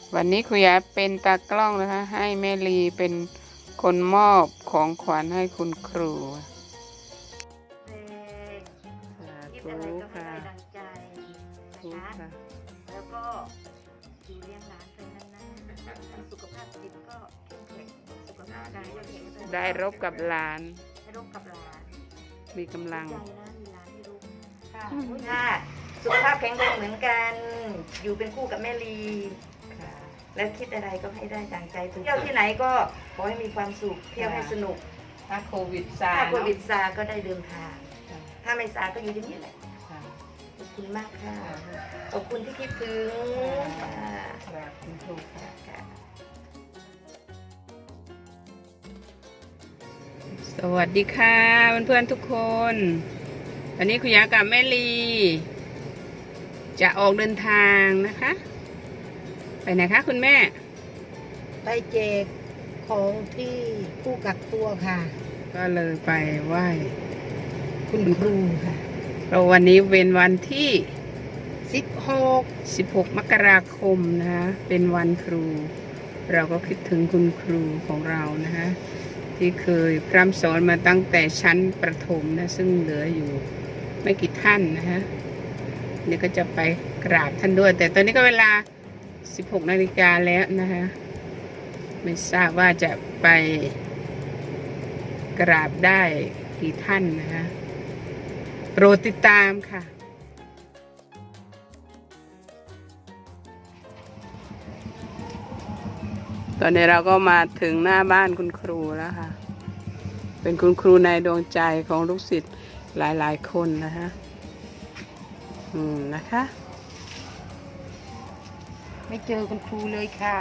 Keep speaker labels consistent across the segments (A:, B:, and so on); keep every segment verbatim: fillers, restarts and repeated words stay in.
A: วันนี้ครูยาเป็นตากล้องนะคะให้แม่ลีเป็นคนมอบของขวัญให้คุณครู
B: คิดอะไรก็ให้ได้ดังใจนะคะแล้วก็อยู่เลี้ยงหลานไปนานๆสุขภาพจิตก็เข้มแข็งสุขภาพกายก็แข็งแรง
A: ได้รบกับหลาน
B: ได้รบกับหลาน
A: มีกำลัง
B: ใจนะมีหลานที่รู้ค่ะค่ะสุขภาพแข็งแรงเหมือนกันอยู่เป็นคู่กับแม่ลีแล้วคิดอะไรก็ให้ได้ดังใจเที่ยวที่ไหนก็ขอให้มีความสุขเที่ยวให้สนุก
A: ถ้าโควิดซา
B: ถ้าโควิดซาก็ได้เดินทางถ้าไม่ซาก็อยู่ที่นี่แหละขอบคุณมากค่ะขอบคุณที่คิดถึง
A: ค่ะคุณครูค่ะสวัสดีค่ะเพื่อนๆทุกคนวันนี้คุณยากับแม่ลีจะออกเดินทางนะคะไปไหนคะคุณแม่
C: ไปแจกของที่ผู้กักตัวค่ะ
A: ก็เลยไปไหว้
C: คุณครูค่ะ
A: เราวันนี้เป็นวันที่
C: สิบหก
A: สิบหกมกราคมนะคะเป็นวันครูเราก็คิดถึงคุณครูของเรานะคะที่เคยพร่ำสอนมาตั้งแต่ชั้นประถมนะซึ่งเหลืออยู่ไม่กี่ท่านนะคะนี่ก็จะไปกราบท่านด้วยแต่ตอนนี้ก็เวลาสิบหกนาฬิกาแล้วนะคะไม่ทราบว่าจะไปกราบได้กี่ท่านนะคะโปรดติดตามค่ะตอนนี้เราก็มาถึงหน้าบ้านคุณครูแล้วค่ะเป็นคุณครูในดวงใจของลูกศิษย์หลายๆคนนะคะอืมนะคะ
C: ไม่เจอคุณครูเลยค่ะ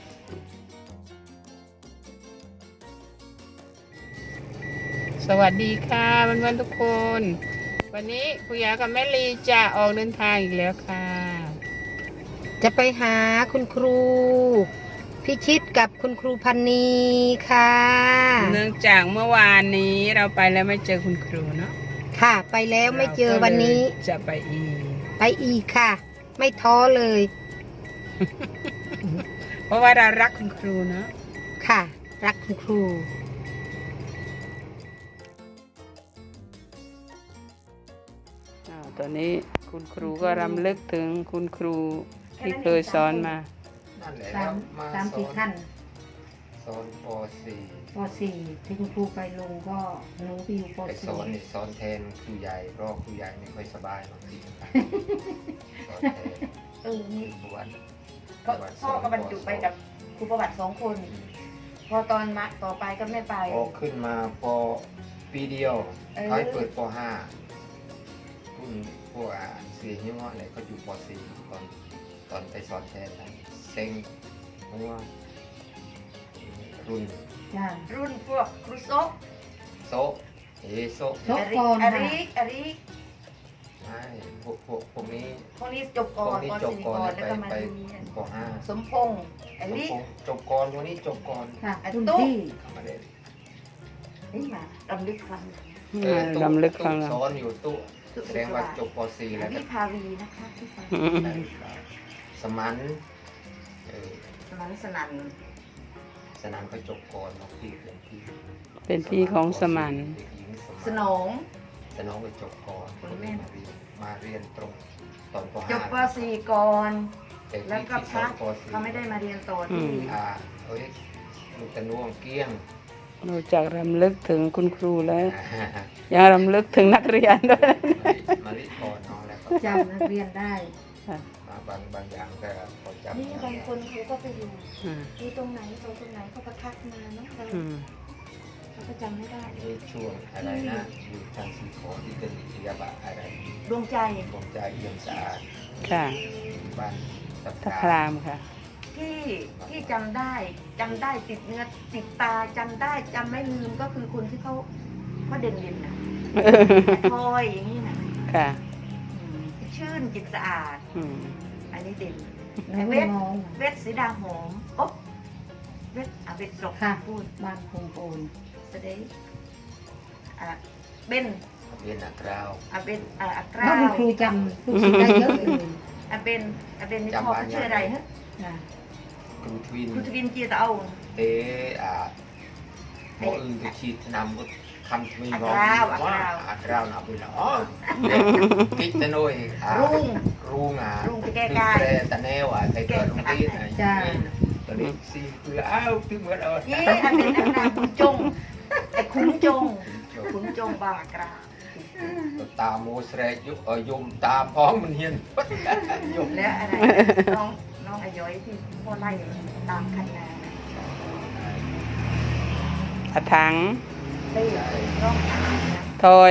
A: สวัสดีค่ะเพื่อนๆทุกคนวันนี้ครูยากับแม่ลีจะออกเดินทางอีกแล้วค่ะ
C: จะไปหาคุณครูพิชิตกับคุณครูพันนีค่ะ
A: เนื่องจากเมื่อวานนี้เราไปแล้วไม่เจอคุณครูเนาะ
C: ค่ะไปแล้วไม่เจอวันนี้
A: จะไปอีก
C: ไปอีกค่ะไม่ท้อเลย
A: เพราะว่าเรารักคุณครูเนาะ
C: ค่ะรักคุณครู
A: ตอนนี้คุณครูก็รำลึกถึงคุณครูที่เคยสอนมา
C: สามสามสี่ท่าน
D: สอนป .สี่
C: ป .สี่ ที่คุณครูไปลงก็หนูไปอยู่ป .สี่
D: สอนนี่สอนแทนครูใหญ่เพราะครูใหญ่ไม่ค่อยสบายบางทีสอนแทน
B: เออนี่
D: ประวัติ
B: ก็พ่อก็บรรจุไปกับครูประวัติสองคนพอตอนมาต่อไปก็ไม่ไป
D: พอขึ้นมาปปีเดียวเขาให้เปิดป .ห้า รุ่นพวกอ่านสี่ยี่ห้ออะไรเขาอยู่ป .สี่ ตอนตอนไปสอนแทนนะเซ็งเพราะว่ารุ่น
B: รุ่นพวกครูโซ
D: โซเอโซ
B: อาริอาริอาริ
D: ไม่พวกพวกพวกนี้
B: พวกนี้จบก่อน
D: ป .สี่ ก่อนแล้วก็มาป .ห้า
B: สมพงษ์อาริ
D: จบก่อนพวกนี้จบก่อน
C: ค่ะตุ้ย
B: นี่มาลำลึกครั้ง
A: ลำลึกครั้ง
D: สอนอยู่ตู้แสดงว่าจบป .สี่ แล้ว
B: พี่พาวีนะคะพี่พาวี
D: สมัน
B: สมันสนัน
D: สนันเขาจบก่อนน้องพี่เป็นพี่
A: เป็นพี่ของสมัน
B: สนอง
D: สนองไปจบก่อนคนแม่มาเรียนตรงตอนป .ห้า
B: จบป .สี่ ก่อนแล้วก็พักเขาไม่ได้มาเรียนต่อที่
D: อ่าเฮ้ยลูกตะน่วงเกี้ยง
A: นอกจากรำลึกถึงคุณครูแล้วยังรำลึกถึงนักเรียนด้วย
D: มาลิก่อนน้องแล้ว
C: จำนักเรียนได้
D: บางบางอย่างก็พอจำ
B: นี่บางคนเขาก็ไปอยู่ที่ตรงไหนตรงตรงไหนเขาก็ทักมาเนาะเราเขาก็จำไม่ได้
D: ในช่วงอะไรนะอยู่ทางสีขอที่เป็นวิทยาบาลอะไร
B: ดวงใจ
D: ดวงใจเอี่ยมสะอาด
A: ค่ะ
D: บ้าน
A: ตะครามค่ะ
B: ที่ที่จำได้จำได้ติดเนื้อติดตาจำได้จำไม่ลืมก็คือคนที่เขาเขาเด่นเด่นนะพลอยอย่างนี้นะ
A: ค่ะ
B: ชื่นจิตสะอาดอันนี้เด่นเวทเวทสีดาหอมอ๊บเวทอ่ะเวทสก
C: ค่ะพูดบ้านคงโอน
B: แสดงอ่ะเบน
D: เบนอักราว
B: อ่ะเบนอ่ะอักรา
C: วครูจำครูได้เยอะเลย
B: อ่ะเบนอ่ะเบนนี่พ่อชื่ออะไรฮะ
D: ครูทวิน
B: ครูทวินเจียตะเอา
D: เออ่าหมออื่นจะฉีดนำก็คำทวีบอกว่าอัตราวนับไปแล้วคิดแต่น้อยรุ่งรุ่งอ่ะ
B: รุ่งจะแก้กาย
D: แต่แนวอ่ะแต่เกิดรุ่งที่ไหนตอนนี้สี่เพื่ออ้าวถึงเมื่อเอา
B: ยี่อันเป็นนางคุณจงไอ้คุณจงคุณจงบากรา
D: ตาโมสเรกยุเออยมตาพ้องมันเฮียนยม
B: แล้วอะไรน้องน้องอาย้อยที่พ่อไล่ตามคันนา
A: อาถัง
B: ได้น้อง
A: ทอย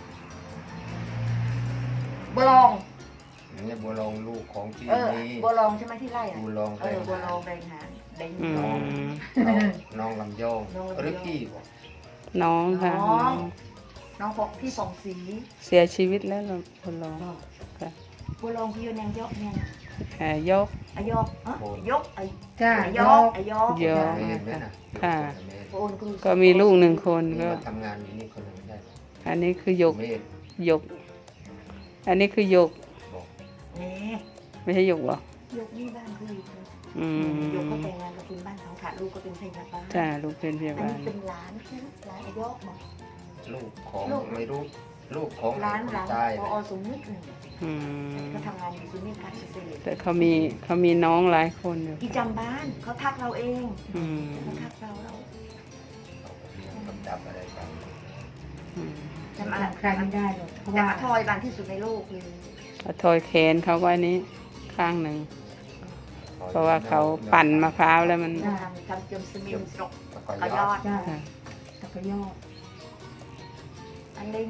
B: บัวลอง
D: นี่บัวลองลูกของที่
B: เออ
D: นี่
B: บัวลองใช่ไหมที่ไล่อะ
D: บัวลอง
B: เออบัวลองแดงหางแดง
A: อื
B: น้อง
A: ม
D: น้องลำยองหรือพี่บอก
A: น้องค่ะ
B: น้อง น้องพกพี่สองสี
A: เสียชีวิตแล้วเราคนร้องค่ะ
B: บัวลองพี่แนงยกแนง
A: แห่ยก
B: อายกเอ้ยกไอ
C: จ้า
B: อาย
C: ย
B: ก
C: ก
B: อายก
A: ยก
D: เมนไหมนะ
A: ค่ะ
B: โอนกู
A: ก็มีลูกหนึ่งคน
D: ก็
A: ก็
D: ทำงานอยู่นี่คนหนึ่งได้
A: อันนี้คือยก
D: เมน
A: ยก อันนี้คือยก
D: บอก
B: นี่
A: ไม่ใช่ยกหรอย
B: กนี่บ้านคืออยู่
A: อืม
B: ยกก็แต่งงานกับคุณบ้านเขาค่ะลูกก็เป็นพยาบาล
A: จ้าลูกเป็นพยา
B: อัน
A: บาล
B: นี้เป็นร้านใช่ไหมร้านอายกบอก
D: ลูกของไม่รู้ลูกของ
B: ร้าน
D: คน
B: ร้าน
D: ใต้
B: พอสมนึกหนึ่ง
A: อืม
B: ก็ทำงานอยู่ศูนย์นิการเกษตร
A: แต่เขามีเขามีน้องหลายคนอยู่
B: ที่จำบ้านเขาทักเราเอง
A: อืม
B: เขาทักเราเรา
D: เรียนกำดับอะไรกัน
A: อืม
B: จำอะไร
C: ใครไม่ได้หรอกเพราะ
B: แต่
C: ว่า
B: อาทอยบานที่สุดในโลกเลย
A: เอาทอยแขนเขาไว้นี้ข้างหนึ่ง เพราะว่าเขาปั่นมะพร้าวแล้วมัน
B: ทำทำจมสมิมสก
D: แล้วก็
B: เขา
D: ย
B: ย
D: อ
B: อ
D: ด
B: ด
C: จ้า
A: ค่ะ
C: ตะกยอด
B: อันเล็ง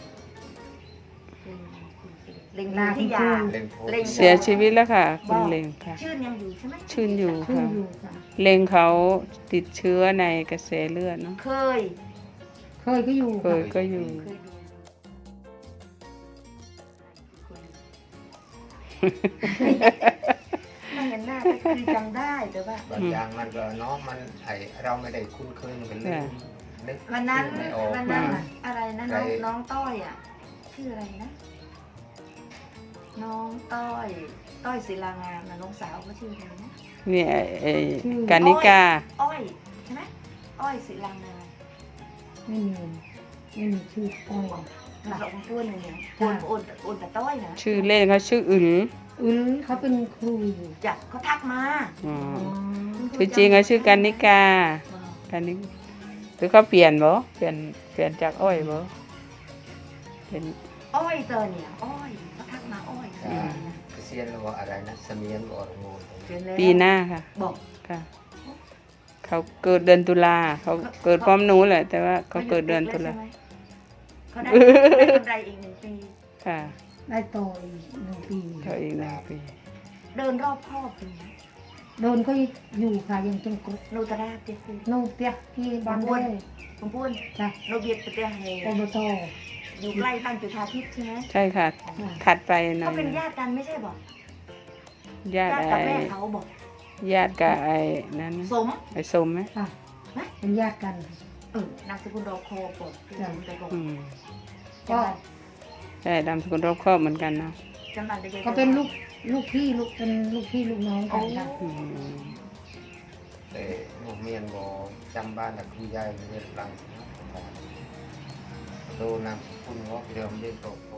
B: เล็งที่ยา
D: เล่นโพ
B: เล่น
A: เสียชีวิตแล้วค่ะ คุณเลงค่ะ
B: ชื่นยังอยู่ใช่ไหม
A: ชื่นอยู่
C: ขึ้น
A: ค่ะ
C: อยู่จ้ะ
A: เลงเขาติดเชื้อในกระแสเลือดเนาะ
B: เคย
C: เคยก็อยู่
A: เคยก็อยู่
B: เคยดูไม่เห็นหน้าก็คือจำได้แต่ว่า
D: บางอย่างมันก็น้องมันไอเราไม่ได้คุ้นเคยกันเลยนึก
B: วันนั้น
D: ไม่ออก
B: วันนั้นน่ะอะไรนะน้อง
D: ใคร
B: น้องต้อยอ่ะ ชื่ออะไรนะ น้องต้อย ต้อยศิลางามนะน้องสาวเขาชื่ออะไรนะ
A: เนี่ยไอ้กานิกา
B: อ้อยใช่ไหมอ้อยศิลางาม
C: ไม่มีไม่มีชื่ออ้อย
B: หลักของตัวหนึ่งเนี่ยโอนโอนโอนแต่ต้อยนะ
A: ชื่อเล่นเขาชื่ออึ๋น
C: อือเขาเป็นครูอยู่
B: จัดเขาทักมา
A: อ๋อ
C: อ๋อ
A: ชื่อจริงเขาชื่อกานิกา กานิหรือเขาเปลี่ยนบ่เปลี่ยนเปลี่ยนจากอ้อยบ่เป็น
B: อ้อยเตอเนี่ยอ้อยเขาทักมาอ้อย
A: อืม
D: เกษียณแล้วอะไรนะเสมียนบอกงู
B: เดือนแล้ว
A: ปีหน้าค่ะ
B: บอก
A: ค่ะ เขาเกิดเดือนตุลาเขาเกิดพร้อมหนูแหละ แต่ว่าเขาเกิดเดือนตุลา
B: เขาได้ได้กำไรอีกหนึ่งปี
A: ค่ะ
C: ได้โตอีกหนึ่งปี
A: เขาอีกหนึ่งปี
B: เดินรอบครอบเลย
C: โดนก็อยู่ค่ะยังจงกรด
B: โนตราเจ็ดปี
C: โนเปียกที่บ้านเด้
B: ผมพูด
C: จ้ะ
B: โนเบียดประเทศไทย
C: อบต
B: อยู่ใกล้บ้านจุฑาทิพย์ใช่ไหม
A: ใช่ค่ะ ถัดไปหน่อ
B: เขา
A: ย
B: เป็นญาติกันไม่ใช่บอก
A: ญาติ
B: ญาติ
A: ไอ้
B: กับแม่เขาบอก
A: ญาติกับไอ้นั้นนะ
B: สม
A: ไอ้สมไหม
C: ค่ะเป็นญาติกัน
B: เออนามสกุลรอคอบอกที่สมไปบอก
A: อืม
B: ก็
A: ใช่ดำสกุลรอบครอบเหมือนกันเนาะ
B: จำบันได้ยัง
C: เขาเป็นลูกลูกพี่ลูกเป็นลูกพี่ลูกน้องกันค่ะ
A: อืม
D: แต่หนูเมียนบอกจำบ้านแต่คุณยายเรียนหลังโดนนำคุณงอกเดิมเรียนโตโต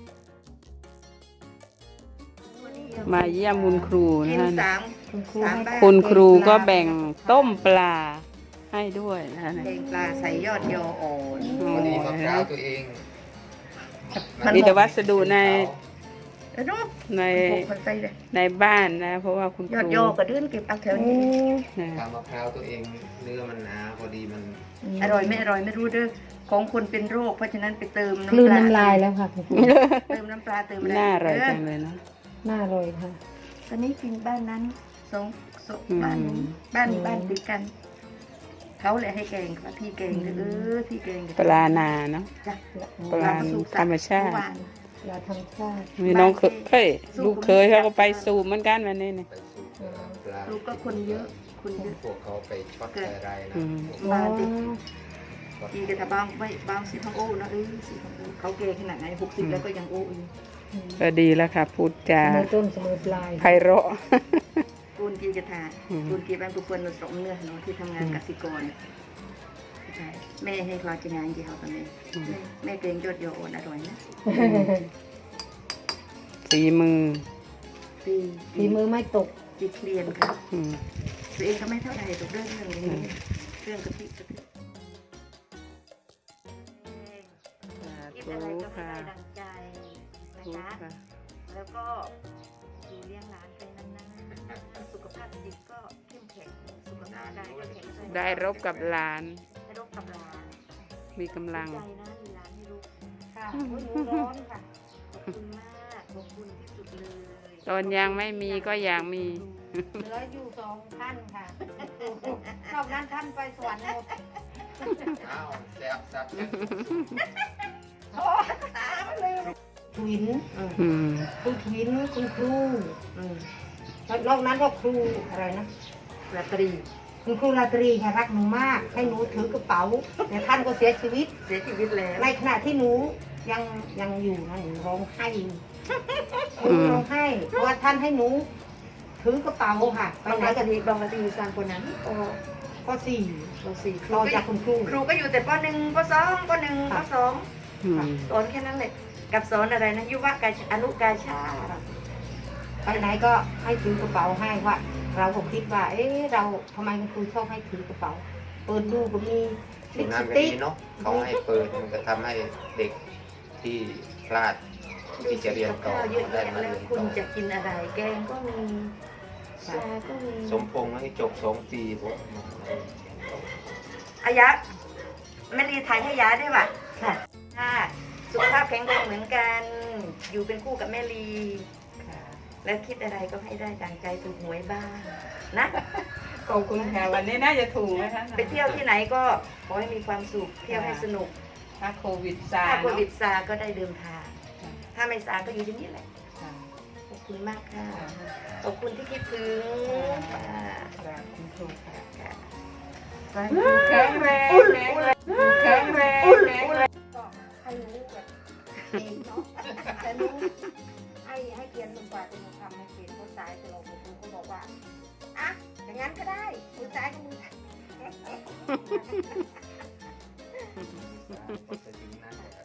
A: มาเยี่ยมคุณครู
B: กิ
A: นะ
B: น
A: คะ
B: สาม
C: คุณครู
B: สาม
C: ให้
B: บ้าน
A: คุณครูก็แบ่งต้มปลาให้ด้วยนะ
B: แกงปลาใส่ยอดยออ่อน
D: พอดีมะพร้าวตัวเอง
A: มีแต่วัสดุใน
B: เออเนาะ
A: ใน
B: ปลูกมันใส่เลย
A: ในบ้านนะ เพราะว่าคุณค
B: ยอด
A: รู
B: ยอกระเดื่นเก็บเอาแถว
C: โอ้
B: นี้
A: นะ
D: ทำมะพร้าวตัวเองเนื้อมันหนาพอดีมัน
B: อร่อยไม่อร่อยไม่รู้เด้อของคนเป็นโรคเพราะฉะนั้นไปเติม
C: คลื่น
B: ป
C: น้ำลายแล้วค่ะคุณครู
B: เติมน้ำปลาเติมอะไร
A: น่าอร่อย
B: เ
A: จังเลยเนาะ
C: น่าอร่อยค่ะ
B: ตอนนี้กินบ้านนั้นสองสอง
A: อืม
B: บ้านนี้บ้าน
C: อืม
B: บ้านติดกันเขาเลยให้แกงค่ะพี่แกงเด้อเออพี่แกงเด้อ
A: ปลานาเนาะ
B: จ้ะ
A: ปลาธรรมชาติ
B: เอวาน
C: เราทำชาติ
A: มีน้องเคยเฮ้ยลูกเคยเขาก็ไปสูบเหมือนกันวันนี้เนี่ย
D: ไปสู่ปลา
B: ลูกก็คนเยอะคนเยอะ
D: พวกเขาไปช็อตอะไรนะ
A: อืม
B: บ้านติดทีกระทะบางไว้บางสิพังโอ้นะเออสิพังโอ้เขาแก่ขนาดไหนหกสิบแล้วก็ยังโอ้อยู่
A: ก็ดีแล้วค่ะ พูดจา
C: เสมอต้นเสมอปลาย
A: ไพเราะ
B: คนกีกระทาบุญกีบ้านปุปนสมเนื้อเนาะที่ทำงานกสิกรใช่แม่ให้คลาจะงานกี่เขาตอนนี้แม่แม่เกรงยอดโยโอนอร่อยนะ
A: สีมือ
B: ปี
C: ฝีมือไม่ตก
B: ปีเคลียนค่ะ
A: อืม
B: ตัวเองก็ไม่เท่าไหร่ตกเรื่องเรื่องนี้เรื่องกะทิกะทิคิดอะไรก็ไม่ได้ดังใจนะคะแล้วก็อยู่เลี้ยงหลานไปนานๆสุขภาพจิตก็เข้มแข็งสุขภาพกายก็แข็งแรง
A: ได้รบกับหลาน
B: ได้รบกับหลาน
A: มีกำลัง
B: ใจนะมีหลานให้ลูก
C: ค่ะหนูร้อนค่ะ
B: ขอบคุณมากขอบคุณที่สุดเลย
A: ตอนยังไม่มีก็อยากมี
C: เหลืออยู่สองท่านค่ะนอกนั้นท่านไปสวรรค์หมด
D: อ้าวแซ่บแซ่บ
C: ทวิน
A: อืม
C: คุณทวินคุณครู
B: อืม
C: แล้วนอกนั้นก็ครูอะไรนะ
B: ราตรี
C: คุณครูราตรีค่ะรักหนูมาก ให้หนูถือกระเป๋าแต่ท่านก็เสียชีวิต
B: เสียชีวิตแล้ว
C: ในขณะที่หนูยังยังอยู่นะหนูร้องไห้อยู่หนูร้องไห้เพราะว่าท่านให้หนูถือกระเป๋าค่ะไป
B: บาง
C: ไหน
B: ราต
C: กัน
B: รีบางราตรีสร้างคนนั้นป
C: ก็สี่
B: ปสี่ครู
C: ต่อ
B: ก็
C: จากคุณครู
B: ครูก็อยู่แต่ปหนึ่งปสองปหนึ่งปสอง
A: อืม
B: สอนแค่นั้นเลยกับสอนอะไรนะยุวกาชอนุกาชาติ
C: ไปไหนก็ให้ถือกระเป๋าให้ว่าเราก็คิดว่า เอ๊ะเราทำไมคุณครูชอบให้ถือกระเป๋า เปิดดูก็มี
D: ช่
C: ลิ
D: วง
C: ป
D: นั้
C: ส
D: นก็
C: ติ
D: ดี
C: ก
D: เนาะเขาให้เปิดมันก็ทำให้เด็กที่พลาดที่จะเรียนต่อ
B: ข้าวเยอะ
D: ได้
B: แยะ
D: มา
B: แล้
D: เรี
B: วย
D: น
B: คุณ
D: ต่อ
B: จะกินอะไร แกงก็มีชาก็มี
D: สมพงษ์ให้จบสองปีผม
B: อายะแม่ลีถ่ายให้ยาด้วยว่ะค่ะค่ะสุขภาพแข็งแรงเหมือนกัน อยู่เป็นคู่กับแม่ลีค่ะ แล้วคิดอะไรก็ให้ได้ดังใจถูกหวยบ้างนะ
A: ขอบคุณค่ะ วันนี้น่าจะถูกนะคะ
B: ไปเที่ยวที่ไหนก็ขอให้มีความสุข เที่ยวให้สนุก
A: ถ้าโควิดซา
B: ถ้าโค
A: เนาะ
B: วิดซาก็ได้เดินทาง ถ้าไม่ซาก็อยู่ที่นี่แหละ
A: ค่ะ
B: ขอบคุณมากค่ะ ขอบคุณที่คิดถึงค่ะ
A: ครับคุณครูค่ะ
B: ค่ะ
A: แข็งแรงแข็งแรงแข็งแรง
C: ก็ให้รู้แบบเองเนาะแต่รู้ให้ให้เกียรติคุณกว่าจะมาทำให้เกียรติเขาซ้ายจะลงคุณครูก็บอกว่าอ่ะอย่างนั้นก็ได้มือซ้ายกับมือซ้าย
D: ก็จะถึงนั่นแหละ